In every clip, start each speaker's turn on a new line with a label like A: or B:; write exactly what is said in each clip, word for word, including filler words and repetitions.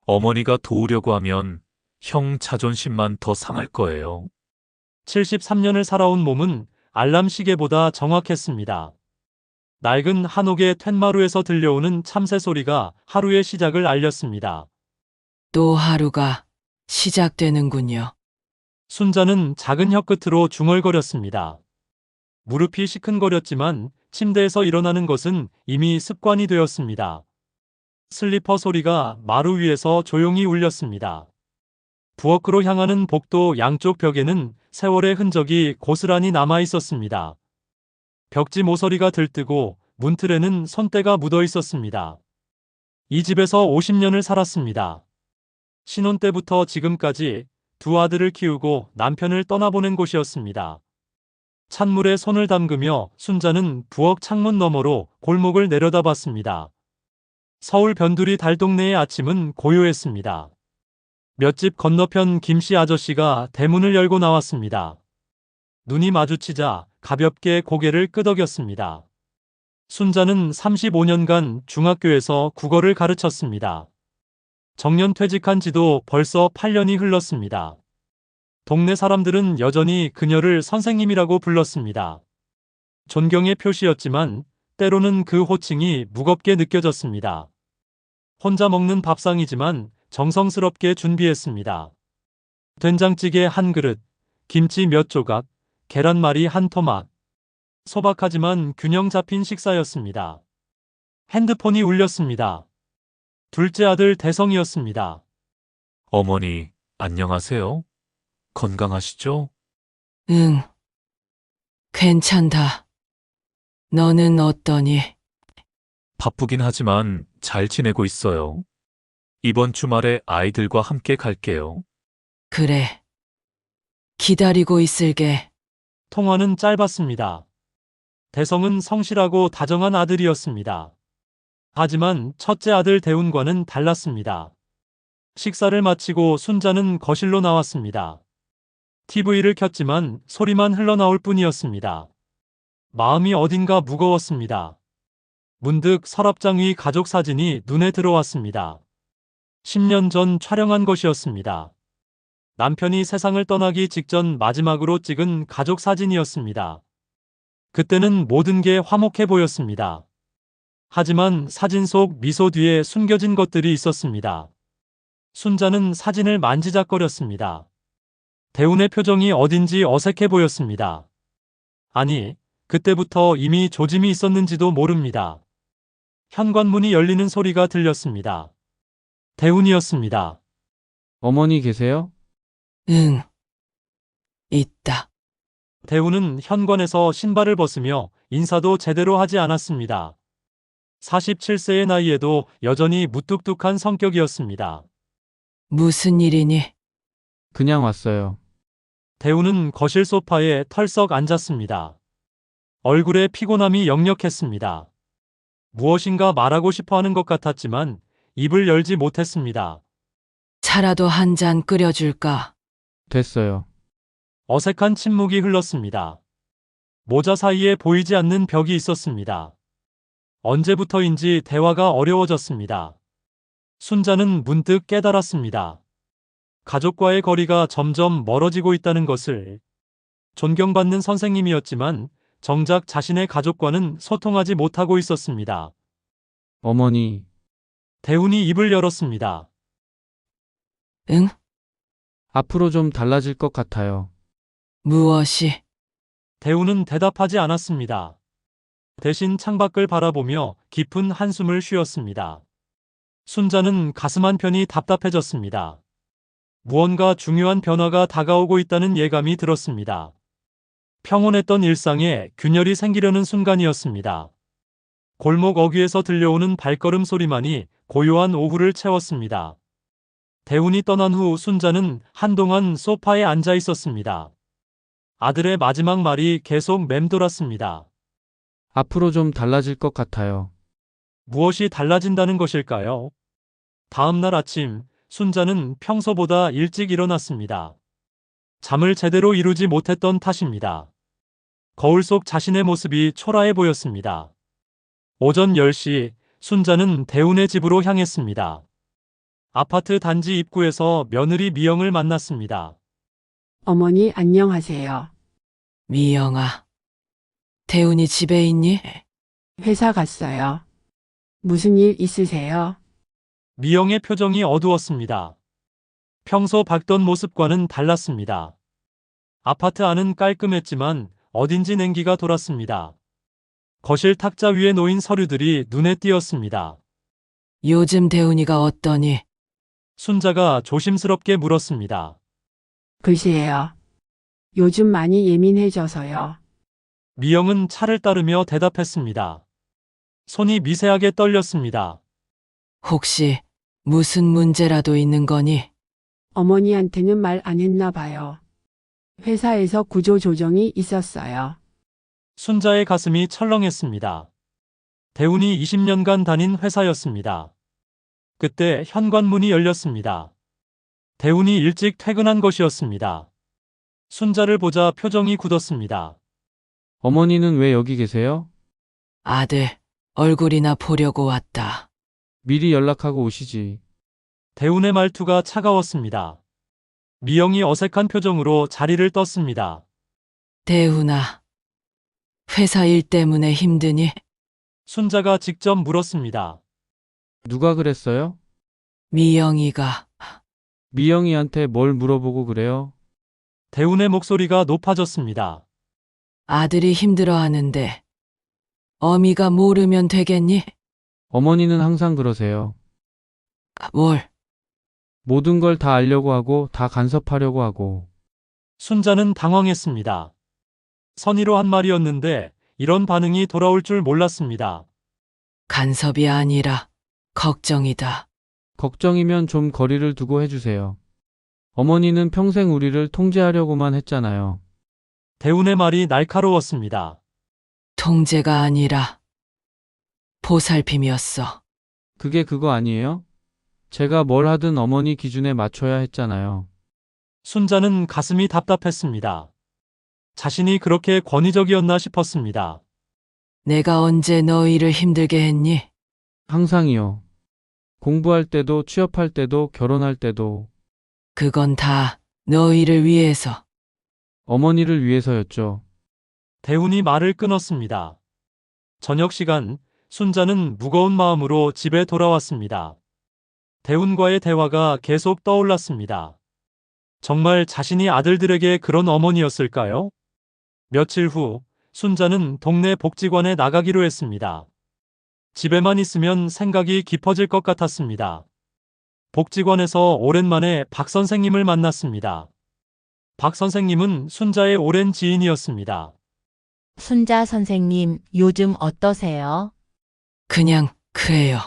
A: 어머니가 도우려고 하면 형 자존심만 더 상할 거예요.
B: 칠십삼 년을 살아온 몸은 알람 시계보다 정확했습니다. 낡은 한옥의 툇마루에서 들려오는 참새 소리가 하루의 시작을 알렸습니다.
C: 또 하루가 시작되는군요.
B: 순자는 작은 혀끝으로 중얼거렸습니다. 무릎이 시큰거렸지만 침대에서 일어나는 것은 이미 습관이 되었습니다. 슬리퍼 소리가 마루 위에서 조용히 울렸습니다. 부엌으로 향하는 복도 양쪽 벽에는 세월의 흔적이 고스란히 남아 있었습니다. 벽지 모서리가 들뜨고 문틀에는 손때가 묻어 있었습니다. 이 집에서 오십 년을 살았습니다. 신혼 때부터 지금까지 두 아들을 키우고 남편을 떠나보낸 곳이었습니다. 찬물에 손을 담그며 순자는 부엌 창문 너머로 골목을 내려다봤습니다. 서울 변두리 달동네의 아침은 고요했습니다. 몇 집 건너편 김씨 아저씨가 대문을 열고 나왔습니다. 눈이 마주치자 가볍게 고개를 끄덕였습니다. 순자는 삼십오 년간 중학교에서 국어를 가르쳤습니다. 정년 퇴직한 지도 벌써 팔 년이 흘렀습니다. 동네 사람들은 여전히 그녀를 선생님이라고 불렀습니다. 존경의 표시였지만 때로는 그 호칭이 무겁게 느껴졌습니다. 혼자 먹는 밥상이지만 정성스럽게 준비했습니다. 된장찌개 한 그릇, 김치 몇 조각, 계란말이 한 토막. 소박하지만 균형 잡힌 식사였습니다. 핸드폰이 울렸습니다. 둘째 아들 대성이었습니다.
A: 어머니, 안녕하세요? 건강하시죠?
C: 응. 괜찮다. 너는 어떠니?
A: 바쁘긴 하지만 잘 지내고 있어요. 이번 주말에 아이들과 함께 갈게요.
C: 그래. 기다리고 있을게.
B: 통화는 짧았습니다. 대성은 성실하고 다정한 아들이었습니다. 하지만 첫째 아들 대운과는 달랐습니다. 식사를 마치고 순자는 거실로 나왔습니다. 티비를 켰지만 소리만 흘러나올 뿐이었습니다. 마음이 어딘가 무거웠습니다. 문득 서랍장 위 가족 사진이 눈에 들어왔습니다. 십 년 전 촬영한 것이었습니다. 남편이 세상을 떠나기 직전 마지막으로 찍은 가족 사진이었습니다. 그때는 모든 게 화목해 보였습니다. 하지만 사진 속 미소 뒤에 숨겨진 것들이 있었습니다. 순자는 사진을 만지작거렸습니다. 대운의 표정이 어딘지 어색해 보였습니다. 아니, 그때부터 이미 조짐이 있었는지도 모릅니다. 현관문이 열리는 소리가 들렸습니다. 대운이었습니다.
D: 어머니 계세요?
C: 응. 있다.
B: 대운은 현관에서 신발을 벗으며 인사도 제대로 하지 않았습니다. 사십칠 세의 나이에도 여전히 무뚝뚝한 성격이었습니다.
C: 무슨 일이니?
D: 그냥 왔어요.
B: 대운은 거실 소파에 털썩 앉았습니다. 얼굴에 피곤함이 역력했습니다. 무엇인가 말하고 싶어 하는 것 같았지만 입을 열지 못했습니다.
C: 차라도 한 잔 끓여줄까?
D: 됐어요.
B: 어색한 침묵이 흘렀습니다. 모자 사이에 보이지 않는 벽이 있었습니다. 언제부터인지 대화가 어려워졌습니다. 순자는 문득 깨달았습니다. 가족과의 거리가 점점 멀어지고 있다는 것을. 존경받는 선생님이었지만 정작 자신의 가족과는 소통하지 못하고 있었습니다.
D: 어머니,
B: 대운이 입을 열었습니다.
C: 응?
D: 앞으로 좀 달라질 것 같아요.
C: 무엇이?
B: 대운은 대답하지 않았습니다. 대신 창밖을 바라보며 깊은 한숨을 쉬었습니다. 순자는 가슴 한편이 답답해졌습니다. 무언가 중요한 변화가 다가오고 있다는 예감이 들었습니다. 평온했던 일상에 균열이 생기려는 순간이었습니다. 골목 어귀에서 들려오는 발걸음 소리만이 고요한 오후를 채웠습니다. 대운이 떠난 후 순자는 한동안 소파에 앉아 있었습니다. 아들의 마지막 말이 계속 맴돌았습니다.
D: 앞으로 좀 달라질 것 같아요.
B: 무엇이 달라진다는 것일까요? 다음 날 아침, 순자는 평소보다 일찍 일어났습니다. 잠을 제대로 이루지 못했던 탓입니다. 거울 속 자신의 모습이 초라해 보였습니다. 오전 열 시, 순자는 대운의 집으로 향했습니다. 아파트 단지 입구에서 며느리 미영을 만났습니다.
E: 어머니 안녕하세요.
C: 미영아. 대훈이 집에 있니?
E: 회사 갔어요. 무슨 일 있으세요?
B: 미영의 표정이 어두웠습니다. 평소 봤던 모습과는 달랐습니다. 아파트 안은 깔끔했지만 어딘지 냉기가 돌았습니다. 거실 탁자 위에 놓인 서류들이 눈에 띄었습니다.
C: 요즘 대훈이가 어떠니?
B: 순자가 조심스럽게 물었습니다.
E: 글쎄요. 요즘 많이 예민해져서요.
B: 미영은 차를 따르며 대답했습니다. 손이 미세하게 떨렸습니다.
C: 혹시 무슨 문제라도 있는 거니?
E: 어머니한테는 말 안 했나 봐요. 회사에서 구조조정이 있었어요.
B: 순자의 가슴이 철렁했습니다. 대훈이 이십 년간 다닌 회사였습니다. 그때 현관문이 열렸습니다. 대훈이 일찍 퇴근한 것이었습니다. 순자를 보자 표정이 굳었습니다.
D: 어머니는 왜 여기 계세요?
C: 아들, 얼굴이나 보려고 왔다.
D: 미리 연락하고 오시지.
B: 대훈의 말투가 차가웠습니다. 미영이 어색한 표정으로 자리를 떴습니다.
C: 대훈아. 회사 일 때문에 힘드니?
B: 순자가 직접 물었습니다.
D: 누가 그랬어요?
C: 미영이가.
D: 미영이한테 뭘 물어보고 그래요?
B: 대훈의 목소리가 높아졌습니다.
C: 아들이 힘들어하는데 어미가 모르면 되겠니?
D: 어머니는 항상 그러세요.
C: 뭘?
D: 모든 걸 다 알려고 하고 다 간섭하려고 하고.
B: 순자는 당황했습니다. 선의로 한 말이었는데 이런 반응이 돌아올 줄 몰랐습니다.
C: 간섭이 아니라 걱정이다.
D: 걱정이면 좀 거리를 두고 해주세요. 어머니는 평생 우리를 통제하려고만 했잖아요.
B: 대훈의 말이 날카로웠습니다.
C: 통제가 아니라 보살핌이었어.
D: 그게 그거 아니에요? 제가 뭘 하든 어머니 기준에 맞춰야 했잖아요.
B: 순자는 가슴이 답답했습니다. 자신이 그렇게 권위적이었나 싶었습니다.
C: 내가 언제 너희를 힘들게 했니?
D: 항상이요. 공부할 때도 취업할 때도 결혼할 때도
C: 그건 다 너희를 위해서.
D: 어머니를 위해서였죠.
B: 대훈이 말을 끊었습니다. 저녁 시간, 순자는 무거운 마음으로 집에 돌아왔습니다. 대훈과의 대화가 계속 떠올랐습니다. 정말 자신이 아들들에게 그런 어머니였을까요? 며칠 후, 순자는 동네 복지관에 나가기로 했습니다. 집에만 있으면 생각이 깊어질 것 같았습니다. 복지관에서 오랜만에 박 선생님을 만났습니다. 박 선생님은 순자의 오랜 지인이었습니다.
F: 순자 선생님, 요즘 어떠세요?
C: 그냥 그래요.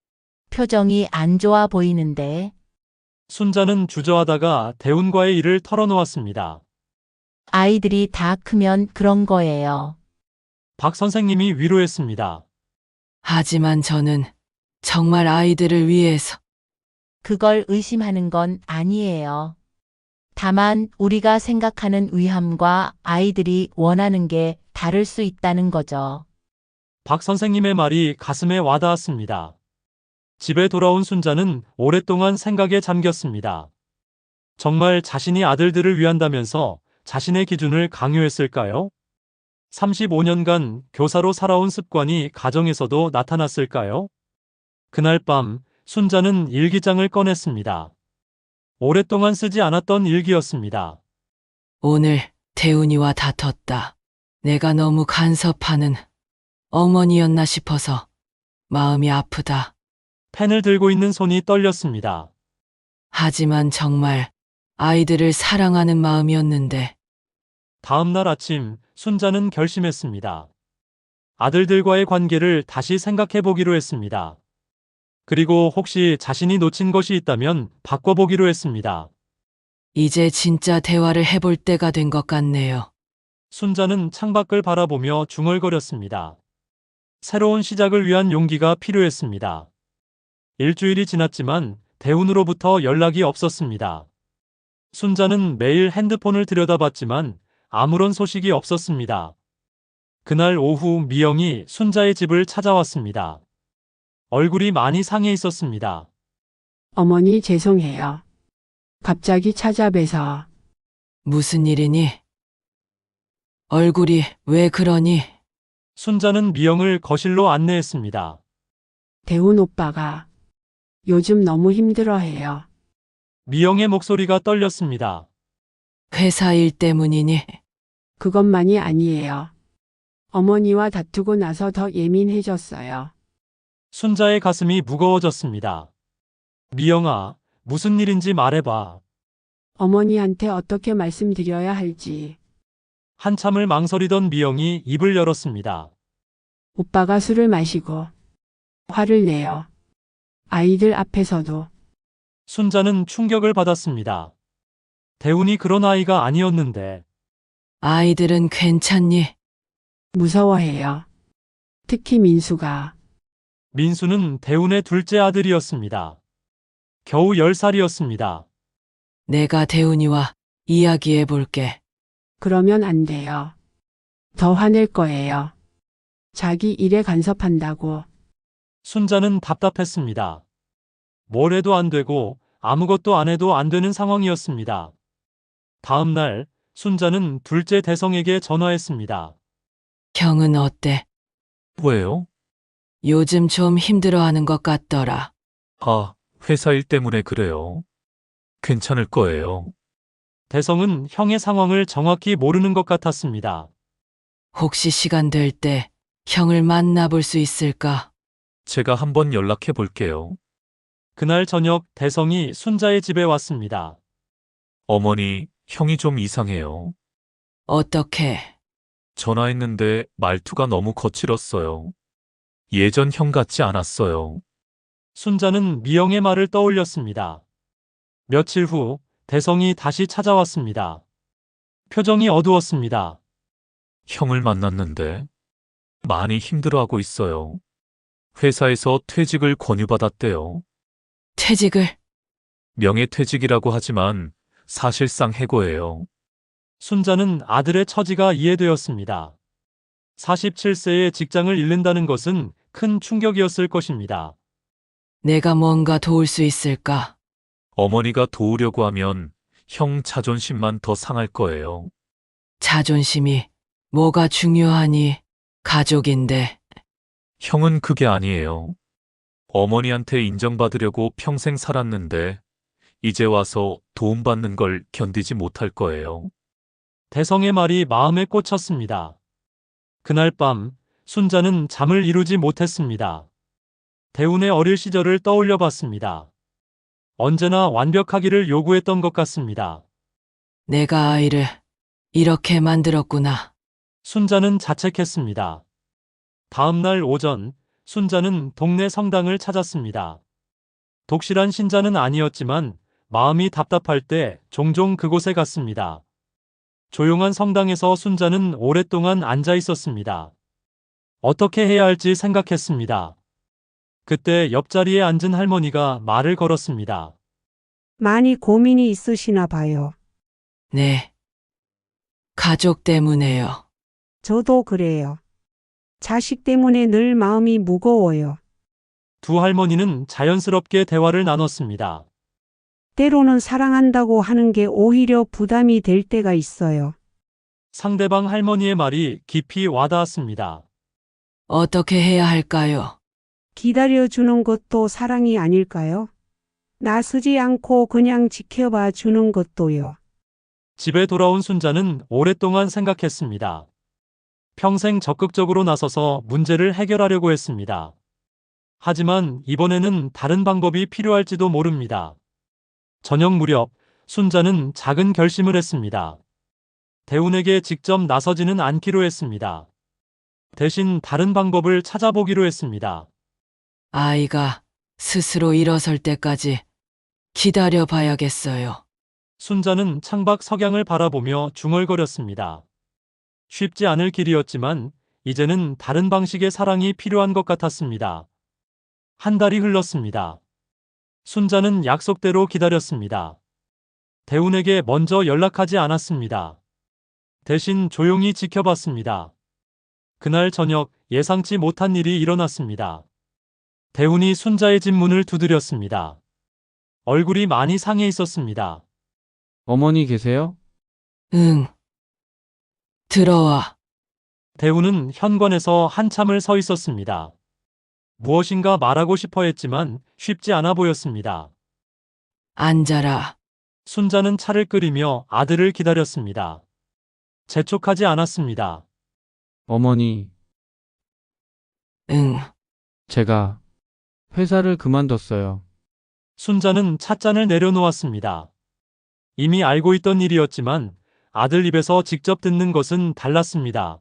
F: 표정이 안 좋아 보이는데.
B: 순자는 주저하다가 대훈과의 일을 털어놓았습니다.
F: 아이들이 다 크면 그런 거예요.
B: 박 선생님이 위로했습니다.
C: 하지만 저는 정말 아이들을 위해서.
F: 그걸 의심하는 건 아니에요. 다만 우리가 생각하는 위함과 아이들이 원하는 게 다를 수 있다는 거죠.
B: 박 선생님의 말이 가슴에 와닿았습니다. 집에 돌아온 순자는 오랫동안 생각에 잠겼습니다. 정말 자신이 아들들을 위한다면서 자신의 기준을 강요했을까요? 삼십오 년간 교사로 살아온 습관이 가정에서도 나타났을까요? 그날 밤 순자는 일기장을 꺼냈습니다. 오랫동안 쓰지 않았던 일기였습니다.
C: 오늘 대훈이와 다퉜다. 내가 너무 간섭하는 어머니였나 싶어서 마음이 아프다.
B: 펜을 들고 있는 손이 떨렸습니다.
C: 하지만 정말 아이들을 사랑하는 마음이었는데.
B: 다음 날 아침 순자는 결심했습니다. 아들들과의 관계를 다시 생각해 보기로 했습니다. 그리고 혹시 자신이 놓친 것이 있다면 바꿔보기로 했습니다.
C: 이제 진짜 대화를 해볼 때가 된 것 같네요.
B: 순자는 창밖을 바라보며 중얼거렸습니다. 새로운 시작을 위한 용기가 필요했습니다. 일주일이 지났지만 대훈으로부터 연락이 없었습니다. 순자는 매일 핸드폰을 들여다봤지만 아무런 소식이 없었습니다. 그날 오후 미영이 순자의 집을 찾아왔습니다. 얼굴이 많이 상해 있었습니다.
E: 어머니 죄송해요. 갑자기 찾아뵈서
C: 무슨 일이니? 얼굴이 왜 그러니?
B: 순자는 미영을 거실로 안내했습니다.
E: 대훈 오빠가 요즘 너무 힘들어해요.
B: 미영의 목소리가 떨렸습니다.
C: 회사 일 때문이니?
E: 그것만이 아니에요. 어머니와 다투고 나서 더 예민해졌어요.
B: 순자의 가슴이 무거워졌습니다. 미영아, 무슨 일인지 말해봐.
E: 어머니한테 어떻게 말씀드려야 할지.
B: 한참을 망설이던 미영이 입을 열었습니다.
E: 오빠가 술을 마시고 화를 내요. 아이들 앞에서도.
B: 순자는 충격을 받았습니다. 대훈이 그런 아이가 아니었는데
C: 아이들은 괜찮니?
E: 무서워해요. 특히 민수가.
B: 민수는 대훈의 둘째 아들이었습니다. 겨우 열 살이었습니다.
C: 내가 대훈이와 이야기해 볼게.
E: 그러면 안 돼요. 더 화낼 거예요. 자기 일에 간섭한다고.
B: 순자는 답답했습니다. 뭘 해도 안 되고 아무것도 안 해도 안 되는 상황이었습니다. 다음 날 순자는 둘째 대성에게 전화했습니다.
C: 형은 어때?
A: 왜요?
C: 요즘 좀 힘들어하는 것 같더라.
A: 아, 회사 일 때문에 그래요. 괜찮을 거예요.
B: 대성은 형의 상황을 정확히 모르는 것 같았습니다.
C: 혹시 시간 될 때 형을 만나볼 수 있을까?
A: 제가 한번 연락해 볼게요.
B: 그날 저녁 대성이 순자의 집에 왔습니다.
A: 어머니, 형이 좀 이상해요.
C: 어떻게?
A: 전화했는데 말투가 너무 거칠었어요. 예전 형 같지 않았어요.
B: 순자는 미영의 말을 떠올렸습니다. 며칠 후 대성이 다시 찾아왔습니다. 표정이 어두웠습니다.
A: 형을 만났는데 많이 힘들어하고 있어요. 회사에서 퇴직을 권유받았대요.
C: 퇴직을?
A: 명예퇴직이라고 하지만 사실상 해고예요.
B: 순자는 아들의 처지가 이해되었습니다. 마흔일곱 세에 직장을 잃는다는 것은 큰 충격이었을 것입니다.
C: 내가 뭔가 도울 수 있을까?
A: 어머니가 도우려고 하면 형 자존심만 더 상할 거예요.
C: 자존심이 뭐가 중요하니? 가족인데.
A: 형은 그게 아니에요. 어머니한테 인정받으려고 평생 살았는데 이제 와서 도움받는 걸 견디지 못할 거예요.
B: 대성의 말이 마음에 꽂혔습니다. 그날 밤 순자는 잠을 이루지 못했습니다. 대훈의 어릴 시절을 떠올려 봤습니다. 언제나 완벽하기를 요구했던 것 같습니다.
C: 내가 아이를 이렇게 만들었구나.
B: 순자는 자책했습니다. 다음 날 오전 순자는 동네 성당을 찾았습니다. 독실한 신자는 아니었지만 마음이 답답할 때 종종 그곳에 갔습니다. 조용한 성당에서 순자는 오랫동안 앉아 있었습니다. 어떻게 해야 할지 생각했습니다. 그때 옆자리에 앉은 할머니가 말을 걸었습니다.
G: 많이 고민이 있으시나 봐요.
C: 네. 가족 때문에요.
G: 저도 그래요. 자식 때문에 늘 마음이 무거워요.
B: 두 할머니는 자연스럽게 대화를 나눴습니다.
G: 때로는 사랑한다고 하는 게 오히려 부담이 될 때가 있어요.
B: 상대방 할머니의 말이 깊이 와닿았습니다.
C: 어떻게 해야 할까요?
G: 기다려주는 것도 사랑이 아닐까요? 나서지 않고 그냥 지켜봐 주는 것도요.
B: 집에 돌아온 순자는 오랫동안 생각했습니다. 평생 적극적으로 나서서 문제를 해결하려고 했습니다. 하지만 이번에는 다른 방법이 필요할지도 모릅니다. 저녁 무렵 순자는 작은 결심을 했습니다. 대훈에게 직접 나서지는 않기로 했습니다. 대신 다른 방법을 찾아보기로 했습니다.
C: 아이가 스스로 일어설 때까지 기다려 봐야겠어요.
B: 순자는 창밖 석양을 바라보며 중얼거렸습니다. 쉽지 않을 길이었지만 이제는 다른 방식의 사랑이 필요한 것 같았습니다. 한 달이 흘렀습니다. 순자는 약속대로 기다렸습니다. 대훈에게 먼저 연락하지 않았습니다. 대신 조용히 지켜봤습니다. 그날 저녁 예상치 못한 일이 일어났습니다. 대훈이 순자의 집 문을 두드렸습니다. 얼굴이 많이 상해 있었습니다.
D: 어머니 계세요?
C: 응. 들어와.
B: 대우는 현관에서 한참을 서 있었습니다. 무엇인가 말하고 싶어 했지만 쉽지 않아 보였습니다.
C: 앉아라.
B: 순자는 차를 끓이며 아들을 기다렸습니다. 재촉하지 않았습니다.
D: 어머니,
C: 응.
D: 제가 회사를 그만뒀어요.
B: 순자는 찻잔을 내려놓았습니다. 이미 알고 있던 일이었지만 아들 입에서 직접 듣는 것은 달랐습니다.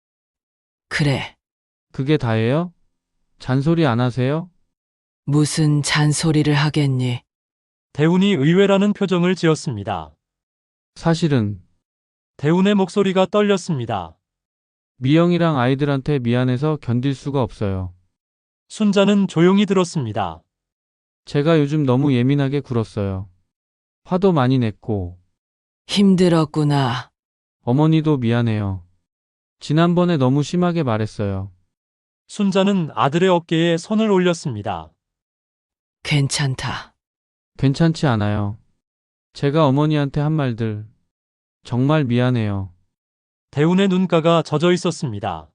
C: 그래.
D: 그게 다예요? 잔소리 안 하세요?
C: 무슨 잔소리를 하겠니?
B: 대운이 의외라는 표정을 지었습니다.
D: 사실은
B: 대운의 목소리가 떨렸습니다.
D: 미영이랑 아이들한테 미안해서 견딜 수가 없어요.
B: 순자는 조용히 들었습니다.
D: 제가 요즘 너무 예민하게 굴었어요. 화도 많이 냈고,
C: 힘들었구나.
D: 어머니도 미안해요. 지난번에 너무 심하게 말했어요.
B: 순자는 아들의 어깨에 손을 올렸습니다.
C: 괜찮다.
D: 괜찮지 않아요. 제가 어머니한테 한 말들, 정말 미안해요.
B: 대운의 눈가가 젖어 있었습니다.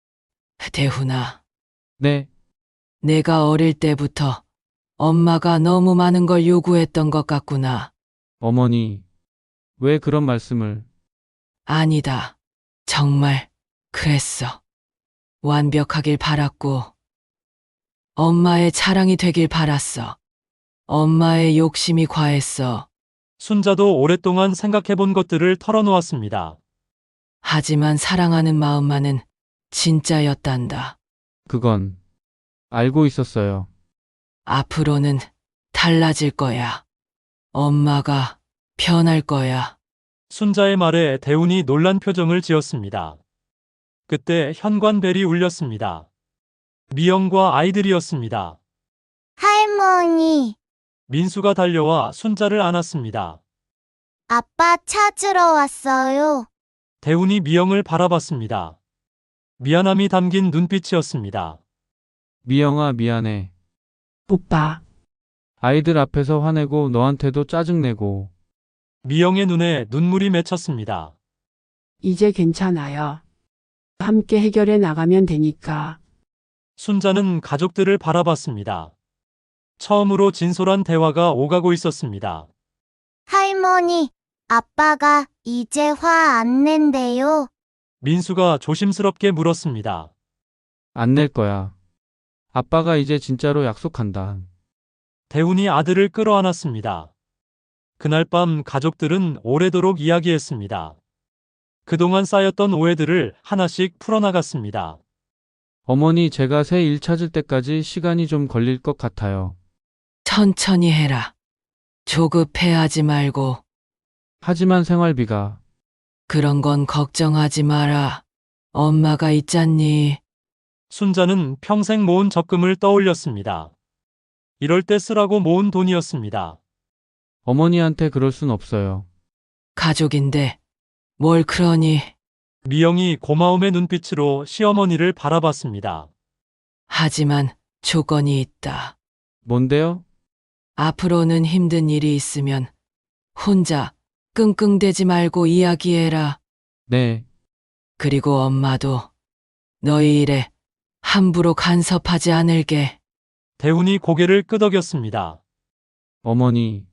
C: 대훈아,
D: 네,
C: 내가 어릴 때부터 엄마가 너무 많은 걸 요구했던 것 같구나.
D: 어머니, 왜 그런 말씀을,
C: 아니다. 정말 그랬어. 완벽하길 바랐고, 엄마의 자랑이 되길 바랐어. 엄마의 욕심이 과했어.
B: 순자도 오랫동안 생각해 본 것들을 털어놓았습니다.
C: 하지만 사랑하는 마음만은 진짜였단다.
D: 그건 알고 있었어요.
C: 앞으로는 달라질 거야. 엄마가 변할 거야.
B: 순자의 말에 대운이 놀란 표정을 지었습니다. 그때 현관벨이 울렸습니다. 미영과 아이들이었습니다.
H: 할머니,
B: 민수가 달려와 순자를 안았습니다.
H: 아빠 찾으러 왔어요.
B: 대운이 미영을 바라봤습니다. 미안함이 담긴 눈빛이었습니다.
D: 미영아, 미안해.
E: 오빠,
D: 아이들 앞에서 화내고 너한테도 짜증내고,
B: 미영의 눈에 눈물이 맺혔습니다.
E: 이제 괜찮아요. 함께 해결해 나가면 되니까.
B: 순자는 가족들을 바라봤습니다. 처음으로 진솔한 대화가 오가고 있었습니다.
H: 할머니, 아빠가 이제 화 안 낸대요.
B: 민수가 조심스럽게 물었습니다.
D: 안 낼 거야. 아빠가 이제 진짜로 약속한다.
B: 대운이 아들을 끌어안았습니다. 그날 밤 가족들은 오래도록 이야기했습니다. 그동안 쌓였던 오해들을 하나씩 풀어나갔습니다.
D: 어머니, 제가 새 일 찾을 때까지 시간이 좀 걸릴 것 같아요.
C: 천천히 해라. 조급해하지 말고
D: 하지만 생활비가,
C: 그런 건 걱정하지 마라. 엄마가 있잖니.
B: 순자는 평생 모은 적금을 떠올렸습니다. 이럴 때 쓰라고 모은 돈이었습니다.
D: 어머니한테 그럴 순 없어요.
C: 가족인데 뭘 그러니.
B: 미영이 고마움의 눈빛으로 시어머니를 바라봤습니다.
C: 하지만 조건이 있다.
D: 뭔데요?
C: 앞으로는 힘든 일이 있으면 혼자 끙끙대지 말고 이야기해라.
D: 네,
C: 그리고 엄마도 너희 일에 함부로 간섭하지 않을게.
B: 대운이 고개를 끄덕였습니다.
D: 어머니.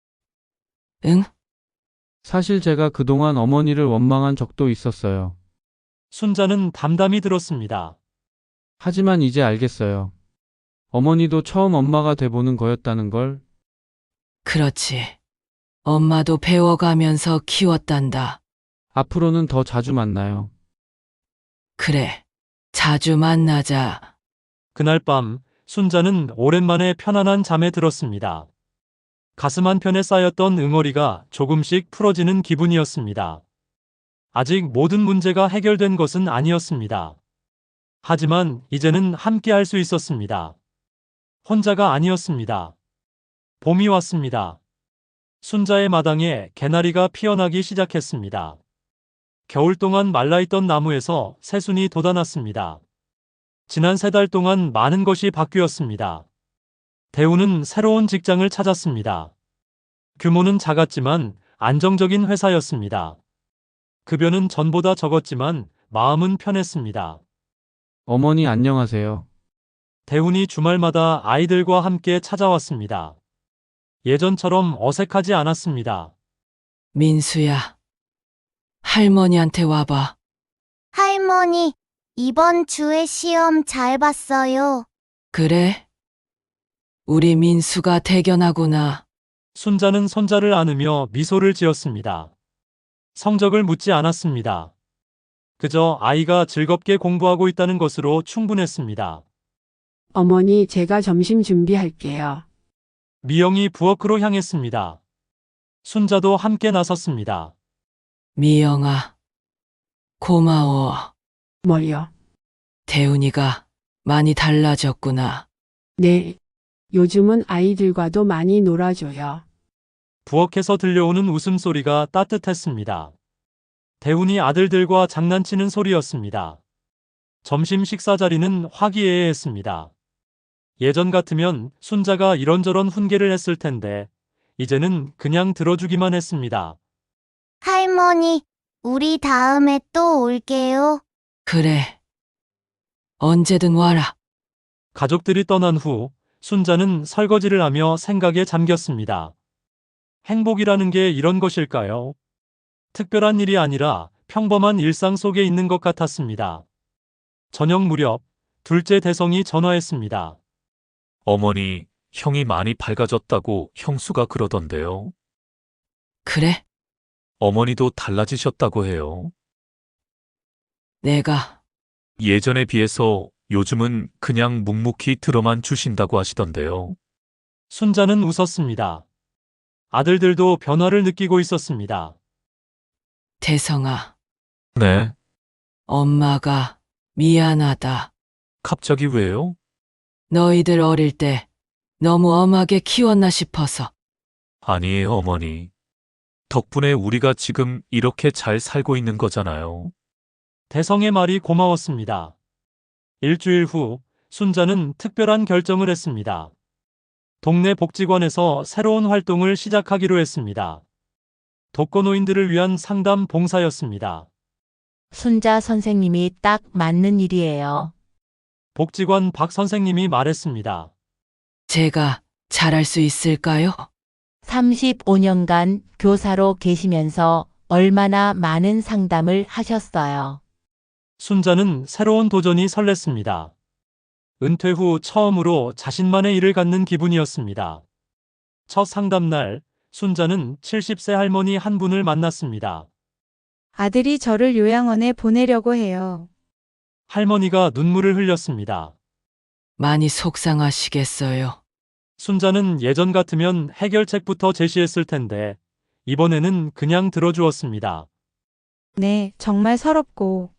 C: 응?
D: 사실 제가 그동안 어머니를 원망한 적도 있었어요.
B: 순자는 담담히 들었습니다.
D: 하지만 이제 알겠어요. 어머니도 처음 엄마가 돼보는 거였다는 걸.
C: 그렇지. 엄마도 배워가면서 키웠단다.
D: 앞으로는 더 자주 만나요.
C: 그래. 자주 만나자.
B: 그날 밤 순자는 오랜만에 편안한 잠에 들었습니다. 가슴 한편에 쌓였던 응어리가 조금씩 풀어지는 기분이었습니다. 아직 모든 문제가 해결된 것은 아니었습니다. 하지만 이제는 함께 할 수 있었습니다. 혼자가 아니었습니다. 봄이 왔습니다. 순자의 마당에 개나리가 피어나기 시작했습니다. 겨울 동안 말라있던 나무에서 새순이 돋아났습니다. 지난 세 달 동안 많은 것이 바뀌었습니다. 대우는 새로운 직장을 찾았습니다. 규모는 작았지만 안정적인 회사였습니다. 급여는 전보다 적었지만 마음은 편했습니다.
D: 어머니 안녕하세요.
B: 대훈이 주말마다 아이들과 함께 찾아왔습니다. 예전처럼 어색하지 않았습니다.
C: 민수야, 할머니한테 와봐.
H: 할머니, 이번 주에 시험 잘 봤어요.
C: 그래? 우리 민수가 대견하구나.
B: 순자는 손자를 안으며 미소를 지었습니다. 성적을 묻지 않았습니다. 그저 아이가 즐겁게 공부하고 있다는 것으로 충분했습니다.
E: 어머니, 제가 점심 준비할게요.
B: 미영이 부엌으로 향했습니다. 순자도 함께 나섰습니다.
C: 미영아, 고마워.
E: 뭐요?
C: 대훈이가 많이 달라졌구나.
E: 네. 요즘은 아이들과도 많이 놀아줘요.
B: 부엌에서 들려오는 웃음소리가 따뜻했습니다. 대훈이 아들들과 장난치는 소리였습니다. 점심 식사 자리는 화기애애했습니다. 예전 같으면 순자가 이런저런 훈계를 했을 텐데 이제는 그냥 들어주기만 했습니다.
H: 할머니, 우리 다음에 또 올게요.
C: 그래. 언제든 와라.
B: 가족들이 떠난 후 순자는 설거지를 하며 생각에 잠겼습니다. 행복이라는 게 이런 것일까요? 특별한 일이 아니라 평범한 일상 속에 있는 것 같았습니다. 저녁 무렵 둘째 대성이 전화했습니다.
A: 어머니, 형이 많이 밝아졌다고 형수가 그러던데요.
C: 그래?
A: 어머니도 달라지셨다고 해요.
C: 내가
A: 예전에 비해서 요즘은 그냥 묵묵히 들어만 주신다고 하시던데요.
B: 순자는 웃었습니다. 아들들도 변화를 느끼고 있었습니다.
C: 대성아,
A: 네,
C: 엄마가 미안하다.
A: 갑자기 왜요?
C: 너희들 어릴 때 너무 엄하게 키웠나 싶어서.
A: 아니에요, 어머니. 덕분에 우리가 지금 이렇게 잘 살고 있는 거잖아요.
B: 대성의 말이 고마웠습니다. 일주일 후 순자는 특별한 결정을 했습니다. 동네 복지관에서 새로운 활동을 시작하기로 했습니다. 독거노인들을 위한 상담 봉사였습니다.
F: 순자 선생님이 딱 맞는 일이에요.
B: 복지관 박 선생님이 말했습니다.
C: 제가 잘할 수 있을까요?
F: 삼십오 년간 교사로 계시면서 얼마나 많은 상담을 하셨어요.
B: 순자는 새로운 도전이 설렜습니다. 은퇴 후 처음으로 자신만의 일을 갖는 기분이었습니다. 첫 상담날, 순자는 칠십 세 할머니 한 분을 만났습니다.
I: 아들이 저를 요양원에 보내려고 해요.
B: 할머니가 눈물을 흘렸습니다.
C: 많이 속상하시겠어요.
B: 순자는 예전 같으면 해결책부터 제시했을 텐데 이번에는 그냥 들어주었습니다.
I: 네, 정말 서럽고.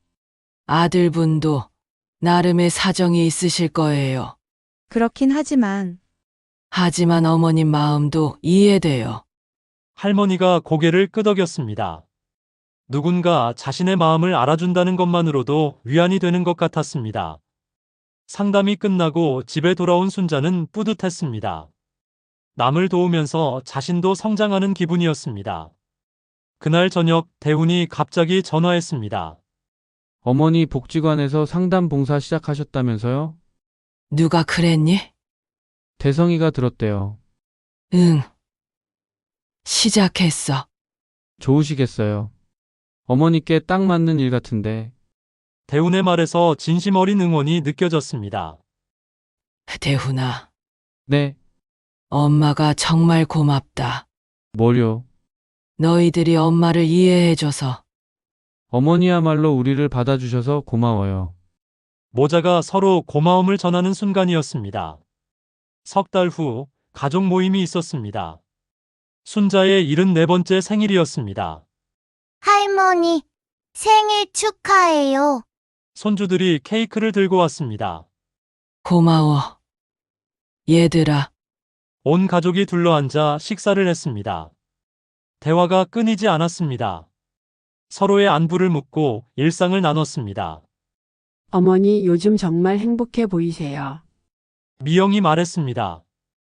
C: 아들분도 나름의 사정이 있으실 거예요.
I: 그렇긴 하지만.
C: 하지만 어머님 마음도 이해돼요.
B: 할머니가 고개를 끄덕였습니다. 누군가 자신의 마음을 알아준다는 것만으로도 위안이 되는 것 같았습니다. 상담이 끝나고 집에 돌아온 순자는 뿌듯했습니다. 남을 도우면서 자신도 성장하는 기분이었습니다. 그날 저녁 대훈이 갑자기 전화했습니다.
D: 어머니 복지관에서 상담 봉사 시작하셨다면서요?
C: 누가 그랬니?
D: 대성이가 들었대요.
C: 응. 시작했어.
D: 좋으시겠어요. 어머니께 딱 맞는 일 같은데.
B: 대훈의 말에서 진심 어린 응원이 느껴졌습니다.
C: 대훈아,
D: 네,
C: 엄마가 정말 고맙다.
D: 뭘요?
C: 너희들이 엄마를 이해해줘서.
D: 어머니야말로 우리를 받아주셔서 고마워요.
B: 모자가 서로 고마움을 전하는 순간이었습니다. 석 달 후 가족 모임이 있었습니다. 순자의 일흔네 번째 생일이었습니다.
H: 할머니, 생일 축하해요.
B: 손주들이 케이크를 들고 왔습니다.
C: 고마워. 얘들아,
B: 온 가족이 둘러앉아 식사를 했습니다. 대화가 끊이지 않았습니다. 서로의 안부를 묻고 일상을 나눴습니다.
E: 어머니, 요즘 정말 행복해 보이세요.
B: 미영이 말했습니다.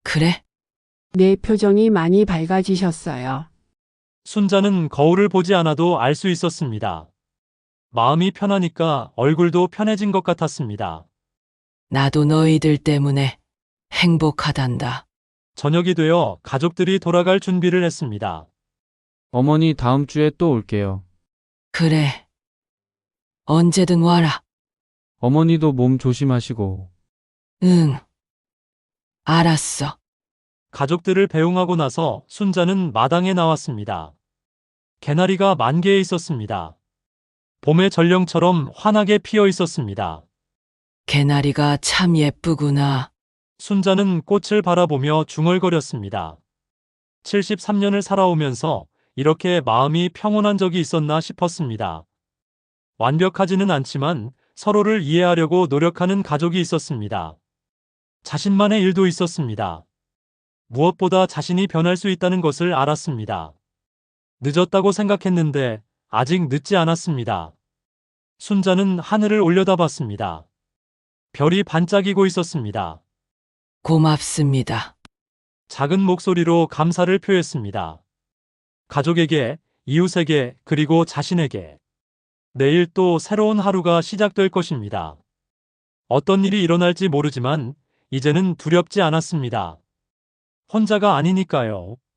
C: 그래?
E: 내 표정이 많이 밝아지셨어요.
B: 순자는 거울을 보지 않아도 알 수 있었습니다. 마음이 편하니까 얼굴도 편해진 것 같았습니다.
C: 나도 너희들 때문에 행복하단다.
B: 저녁이 되어 가족들이 돌아갈 준비를 했습니다.
D: 어머니 다음 주에 또 올게요.
C: 그래. 언제든 와라.
D: 어머니도 몸 조심하시고.
C: 응. 알았어.
B: 가족들을 배웅하고 나서 순자는 마당에 나왔습니다. 개나리가 만개에 있었습니다. 봄의 전령처럼 환하게 피어 있었습니다.
C: 개나리가 참 예쁘구나.
B: 순자는 꽃을 바라보며 중얼거렸습니다. 칠십삼 년을 살아오면서 이렇게 마음이 평온한 적이 있었나 싶었습니다. 완벽하지는 않지만 서로를 이해하려고 노력하는 가족이 있었습니다. 자신만의 일도 있었습니다. 무엇보다 자신이 변할 수 있다는 것을 알았습니다. 늦었다고 생각했는데 아직 늦지 않았습니다. 순자는 하늘을 올려다봤습니다. 별이 반짝이고 있었습니다.
C: 고맙습니다.
B: 작은 목소리로 감사를 표했습니다. 가족에게, 이웃에게, 그리고 자신에게. 내일 또 새로운 하루가 시작될 것입니다. 어떤 일이 일어날지 모르지만 이제는 두렵지 않았습니다. 혼자가 아니니까요.